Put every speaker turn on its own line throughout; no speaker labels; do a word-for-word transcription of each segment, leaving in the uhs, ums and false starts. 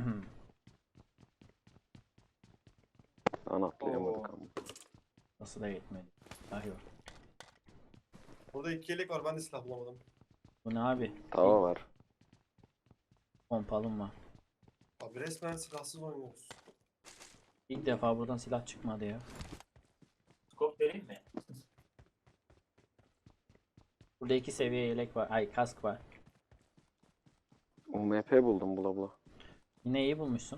Lan atlayamadık
Oo.
ama.
Nasıl da yetmedi. Ah yok.
Burada iki yelek var, ben de silah bulamadım.
Bu ne abi?
Tava var.
Pompalım var.
Abi resmen silahsız oynuyoruz.
İlk defa buradan silah çıkmadı ya.
Skop vereyim mi?
Burada iki seviye yelek var. Ay kask var.
U M P buldum bula bula.
Yine iyi bulmuşsun.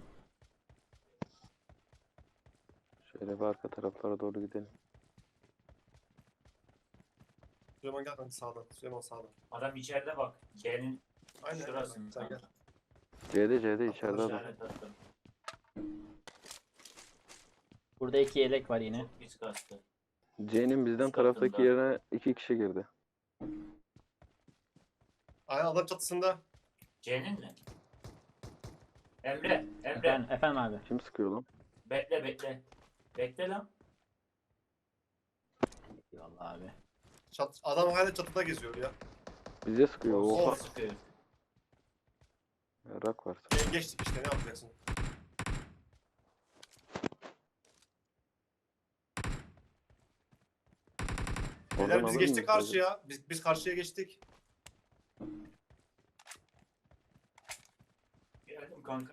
Şöyle bir arka taraflara doğru gidelim.
Süleyman gel kanka sağdan. Süleyman sağdan.
Adam içeride bak. C'nin
Aynen.
şurasında.
Sen gel.
C'de C'de içeride adam.
İşaret attım.
Burada iki yelek var yine.
Çok pis kastı.
C'nin bizden
Üst
taraftaki
katında.
yerine iki kişi girdi.
Aynen adam çatısında.
C'nin mi? Emre, Emre.
Efendim, efendim abi.
Kim sıkıyor lan?
Bekle bekle. Bekle lan.
Eyvallah abi.
Çat, adam hala çatıda geziyor ya.
Bize sıkıyor.
Of.
Oha.
Sıkıyor.
Rak var.
E, geçtik işte, ne yapacaksın?
Oradan
Beyler biz
alır
geçtik
mıyız
karşıya. Biz, biz karşıya geçtik.
Geldim kanka.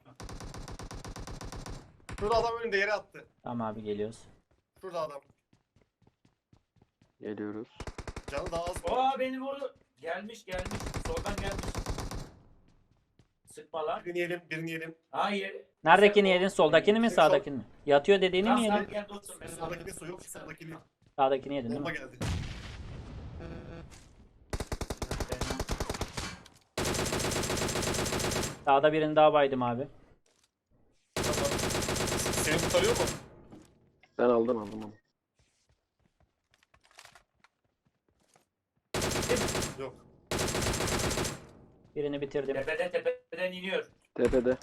Şurada adam önünde yere attı.
Tamam abi geliyoruz.
Şurada adam.
Geliyoruz.
Canı daha az.
Aa beni vurdu. Gelmiş gelmiş. Soldan gelmiş. Sıkma lan.
Birini yiyelim, birini yiyelim.
Hayır.
Neredekini yedin? Soldakini mi
Sol-
sağdakini mi? Yatıyor dediğini mi
Tamam,
yedin?
tamam, gel dostum. Ben
Sağdakini su yok, sağdakini.
Sağdakini yedin değil
Bomba
mi?
geldi.
Sağda birini daha baydım abi.
Tamam. Seni kurtarıyor mu?
Ben aldım aldım onu.
Yok.
Birini bitirdim.
Tepede tepeden iniyor.
Tepede.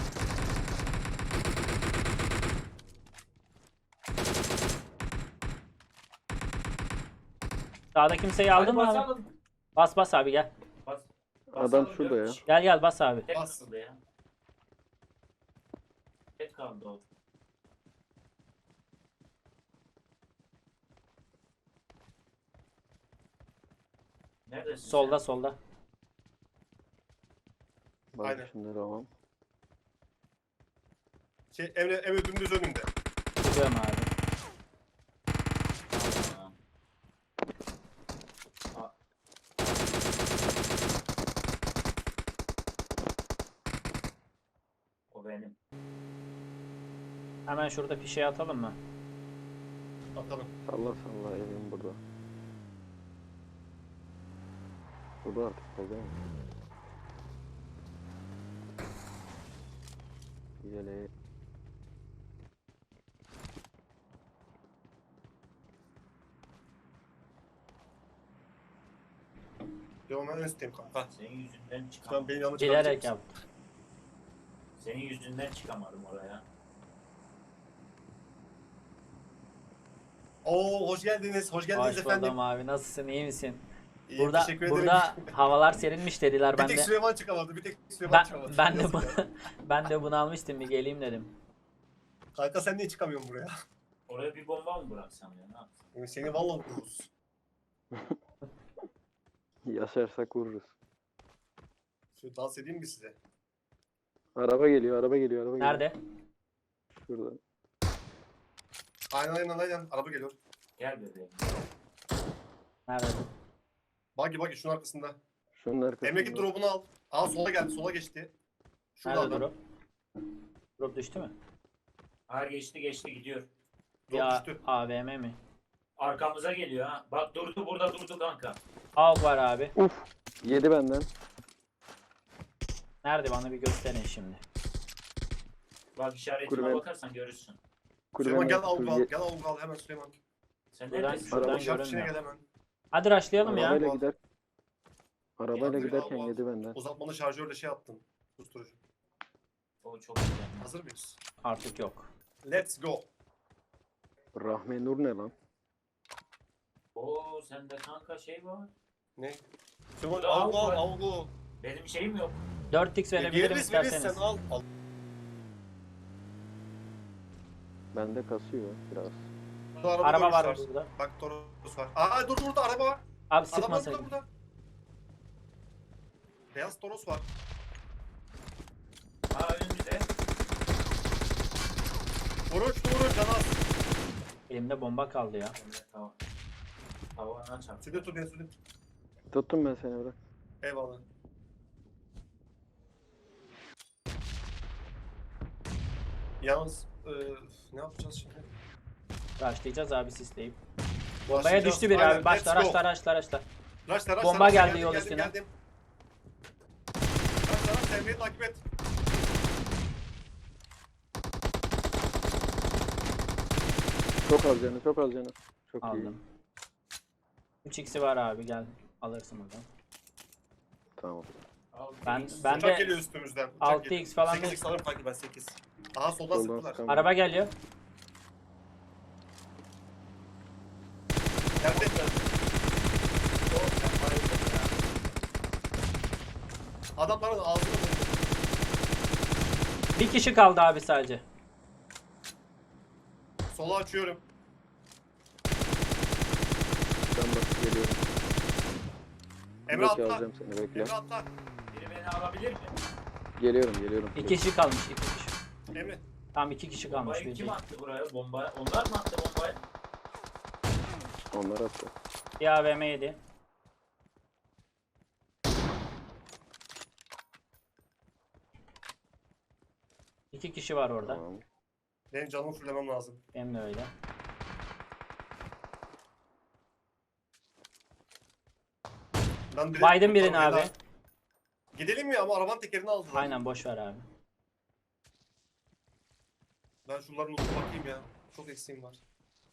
Sağda kimseyi aldın
Hadi
mı abi?
basalım.
Bas bas abi gel.
Bas.
Adam
basalım,
şurada
dört
ya.
kişi.
Gel gel bas abi.
Tek
Bas.
kaldı ya. Tek kaldı o. Neredesin
Solda
sen?
solda.
Bak
Aynen.
şimdi tamam.
Şey, Emre, Emre dümdüz önünde.
Gidiyorum abi.
Tamam. Aa, o benim.
Hemen şurada fişeği atalım mı?
Atalım.
Salla salla evim burada. Burada artık fazla mı? Yeleği.
Yo, ben en üstteyim kanka.
Senin yüzünden
Şu an
çıkamadım.
beni yanlış
Bilerek yap.
Senin yüzünden çıkamadım oraya.
Oo, hoş geldiniz. Hoş geldiniz
Hoş
efendim.
buldum abi. Nasılsın? İyi misin?
İyiyim,
Burada
teşekkür ederim.
burada havalar serinmiş dediler.
bir
Ben
tek
de
Süleyman çıkamadı. Bir tek Süleyman
ben,
çıkamadı.
ben de
Yazık
bu,
ya.
ben de bunu almıştım bir geleyim dedim.
Kanka sen niye çıkamıyorsun buraya?
Oraya bir bomba mı bıraksam ya? Ne yapsam?
Seni valla vururuz.
Yaşarsak vururuz.
Şöyle dans edeyim mi size?
Araba geliyor, araba geliyor, araba geliyor.
Nerede?
Şurada.
Aynen aynen aynen. Araba geliyor.
Gel bebeğim.
Nerede?
Buggy buggy şunun arkasında.
Şunun arkasında.
Emre drop'unu al. Aa sola geldi, sola geçti. Şurada
Nerede
adam.
drop? Drop düştü mü?
Hayır geçti geçti gidiyor.
Drop
Ya
düştü.
A V M mi?
Arkamıza geliyor ha. Bak durdu burada durdu kanka.
Av var abi.
Uf! Yedi benden.
Nerede bana bir gösterin şimdi.
Bak işaretime
Kulübe-
bakarsan görürsün.
Süleyman gel
Kulübenin-
avlu al. Gel avlu al hemen Süleyman.
Sen
Buradan-
neredesin?
şuradan
Araba
gö-
Şarkı içine
görünmüyor.
gel hemen.
Hadi rushlayalım ya.
Arabayla
ya.
gider. Arabayla
Ya,
giderken
al, al.
yedi benden.
Uzatmalı şarjörle şey attım. Susturucu.
O çok güzel.
Hazır mıyız?
Artık yok.
Let's go.
Rahme Nur ne lan?
Oo sende kanka şey var.
Ne? Süleyman
Burada
avlu
av
al
var.
avlu.
Benim şeyim yok.
dört x verebilirim
Veririz veririz
isterseniz.
sen al. al.
Bende kasıyor biraz.
Burada araba,
Araba var
koymuşlar.
burada.
Bak Toros var. Aa dur burada araba var.
Abi
Adam var
sıkmasaydın.
burada burada. Beyaz Toros var.
Ha önümüzde.
Vuruş vuruş canaz.
Elimde bomba kaldı ya.
Evet, tamam. Havana çarptı.
Süde tut beni süde tut.
Tuttum ben seni bırak.
Eyvallah. Yalnız e, ne yapacağız şimdi?
Başlayacağız abi sisleyip. Bombaya
Başlayacağız.
düştü biri
Aynen,
abi. Başla
let's go.
araçla araçla araçla.
Raşla raşla.
Bomba
raşla.
geldi
Geldim,
yol
geldim,
üstüne.
Geldim. Raşla raşla Emre'yi takip et.
Çok az canı, çok az canı. Çok iyi.
Aldım. üç x'i var abi gel. Alırsın buradan.
Tamam.
Al,
Ben
X.
ben
Uçak
de
geliyor üstümüzden. Uçak
altı
geliyor.
x falan
sekiz
değil.
x alırım kanki ben sekiz. Aha soldan
Soldan
sıktılar.
sıkan-
Araba geliyor.
Geldi.
Yok, sen bayıldın ya.
Adamların ağzını vurdu.
Bir kişi kaldı abi sadece.
Sola açıyorum.
Ben bakıp geliyorum.
Emre
Belki
atla.
alacağım seni, bekle.
Emre atla.
Biri beni alabilir mi?
Geliyorum, geliyorum.
İki kişi kalmış. iki kişi.
Emre.
Tam iki kişi kalmış.
Bombayı
Bir
kim
değil.
attı buraya? Bomba. Onlar mı attı bombayı?
Onlar attı.
Bir A V M yedi. İki kişi var orada.
Tamam.
Benim canımı fullemem lazım.
Benim de öyle.
Ben direkt
Biden birini
arabayla-
abi.
Gidelim mi ama arabanın tekerini aldılar.
Aynen boş ver abi.
Ben şunların ucuna bakayım ya. Çok eksiğim var.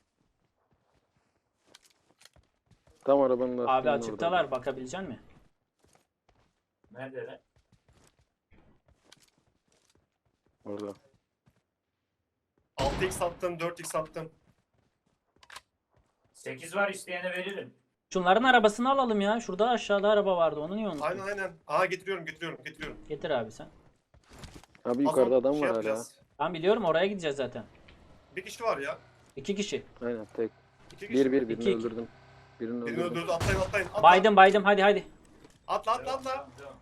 Tam arabanın lastiğinin
Abi açıktalar
orada.
bakabilecek misin?
Neredeler?
Orada.
altı x attım, dört x attım.
sekiz var, isteyene veririm.
Şunların arabasını alalım ya. Şurada aşağıda araba vardı. Onu niye unuttun?
Aynen aynen. Aha getiriyorum getiriyorum getiriyorum.
Getir abi sen.
Abi yukarıda
Az sonra
adam
şey
var hala.
yapacağız.
Ben biliyorum oraya gideceğiz zaten.
Bir kişi var ya.
İki kişi.
Aynen tek.
İki kişi.
Bir bir birini
İki, iki.
öldürdüm. Birini
Birini
öldürdüm.
öldürdü. Atlayın atlayın. Atla.
Baydım baydım hadi hadi.
Atla atla
Devam,
atla.
devam, devam.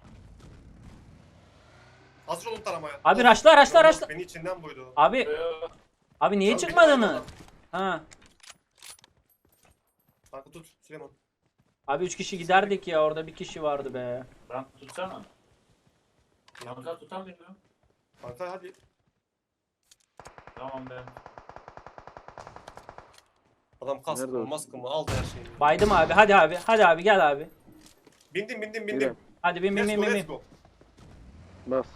Hazır olun taramaya.
Abi
Of.
raşla raşla
Yok,
raşla.
Beni içinden buydu.
Abi
Ee,
abi niye
Lan
çıkmadınız?
beni
Ha.
Kanka tut Süleyman.
Abi üç kişi giderdik ya orada bir kişi vardı be.
Ben tutsana. Kanka tutamıyorum.
Kanka hadi.
Tamam ben.
Adam kask
Nerede
mı
o?
maskı mı aldı her şeyi.
Baydım abi hadi abi hadi abi gel abi.
Bindim bindim
Yürü.
bindim.
Hadi bin bin
Let's
bin
go
bin.
let's
bin.
go.
Bas.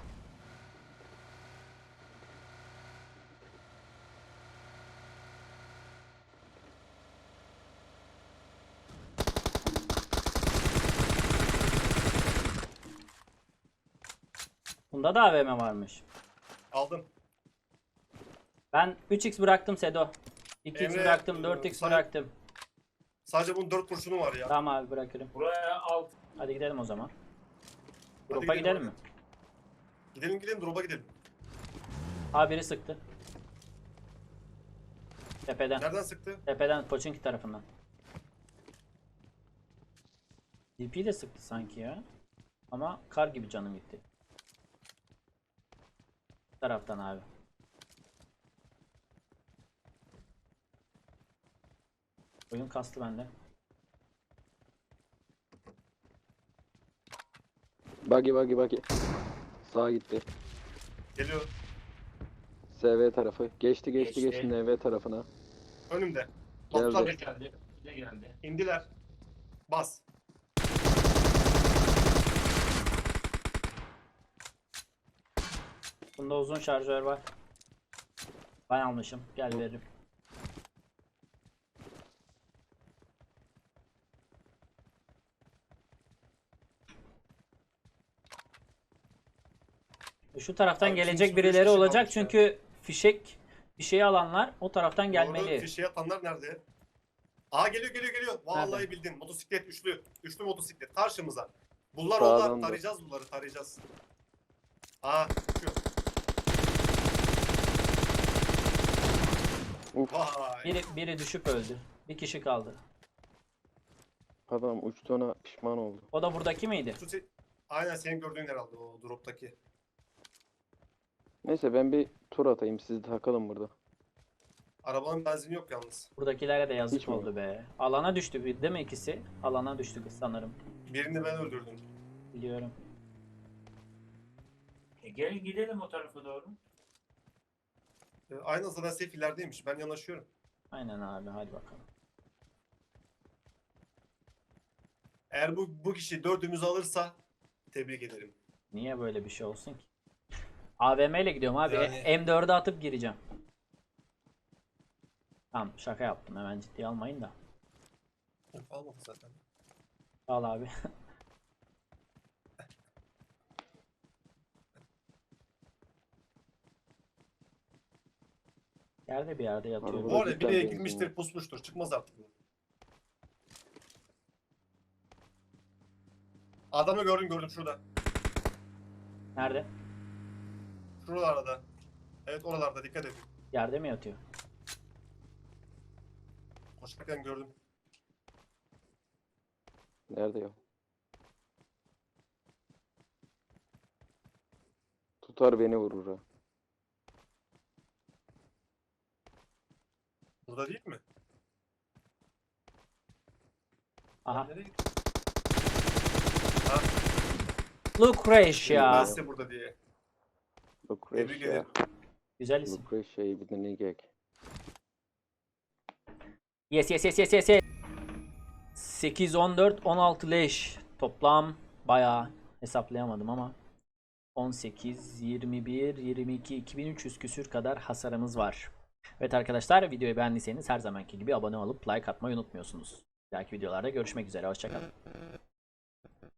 Bunda da A V M varmış.
Aldım.
Ben üç x bıraktım Sedo. iki x
Emre,
bıraktım, dört x
sen-
bıraktım.
Sadece bunun dört kurşunu var ya.
Tamam abi bırakırım.
Buraya alt.
Hadi gidelim o zaman.
Hadi
Drop'a
gidelim
gidelim mi?
Gidelim gidelim drop'a gidelim.
Abi biri sıktı. Tepeden.
Nereden sıktı?
Tepeden Pochinki tarafından. D P de sıktı sanki ya. Ama kar gibi canım gitti. Bu taraftan abi. Oyun kastı bende.
Buggy buggy buggy. Sağa gitti.
Geliyor.
S V tarafı. Geçti geçti
Geçti.
geçti N V tarafına.
Önümde.
Geldi.
Atlar
Ne geldi? Ne geldi?
indiler. Bas.
Bunda uzun şarjör var. Ben almışım. Gel veririm. Şu taraftan
Abi,
gelecek
şimdi üç
birileri
kişi
olacak
kalmış ya.
çünkü fişek fişeği alanlar o taraftan
Doğru,
gelmeli.
fişeği atanlar nerede? Aa geliyor geliyor geliyor. Vallahi
Nerede?
bildin. Motosiklet üçlü. Üçlü motosiklet karşımıza. Bunlar
Sağdan
onlar.
da.
Tarayacağız bunları tarayacağız. Aa çıkıyor.
Uf,
Vay.
Biri, biri düşüp öldü. Bir kişi kaldı.
adam uçtuğuna pişman oldu.
O da buradaki miydi?
Şu se- Aynen senin gördüğün herhalde o drop'taki.
Neyse ben bir tur atayım, siz takılın burada.
Arabanın benzini yok yalnız.
Buradakilere de yazık
Hiç mi?
oldu be. Alana düştü bir- değil mi ikisi? Alana düştü sanırım.
Birini ben öldürdüm.
Biliyorum.
E, gelin gidelim o tarafa doğru.
Ee, Aynen zaten safe ilerideymiş. Ben yanaşıyorum.
Aynen abi hadi bakalım.
Eğer bu, bu kişi dördümüzü alırsa tebrik ederim.
Niye böyle bir şey olsun ki? A V M ile gidiyorum abi.
Yani-
E- M dörde atıp gireceğim. Tamam şaka yaptım, hemen ciddiye almayın da.
Yok, almadı zaten.
Al abi. Yerde bir yerde yatıyor.
Araba-
Bu arada
cidden
biri
benzin
girmiştir,
yok.
pusmuştur. Çıkmaz artık bu. Adamı gördüm gördüm şurada.
Nerede?
Şuralarda. Evet oralarda dikkat edin.
Yerde mi yatıyor?
Koşarken gördüm.
Nerede ya? Tutar beni vurur ha.
Burada değil mi?
Aha.
Nereye gitti? Ha,
Lucretia.
ben size burada diye. Tebrik
Lucretia.
ederim.
Güzel isim.
Lucretia'yı bir deneyecek.
Yes yes yes yes yes yes. sekiz, on dört, on altı leş. Toplam bayağı hesaplayamadım ama on sekiz, yirmi bir, yirmi iki, iki bin üç yüz küsür kadar hasarımız var. Evet arkadaşlar, videoyu beğendiyseniz her zamanki gibi abone olup like atmayı unutmuyorsunuz. Bir dahaki videolarda görüşmek üzere. Hoşçakalın.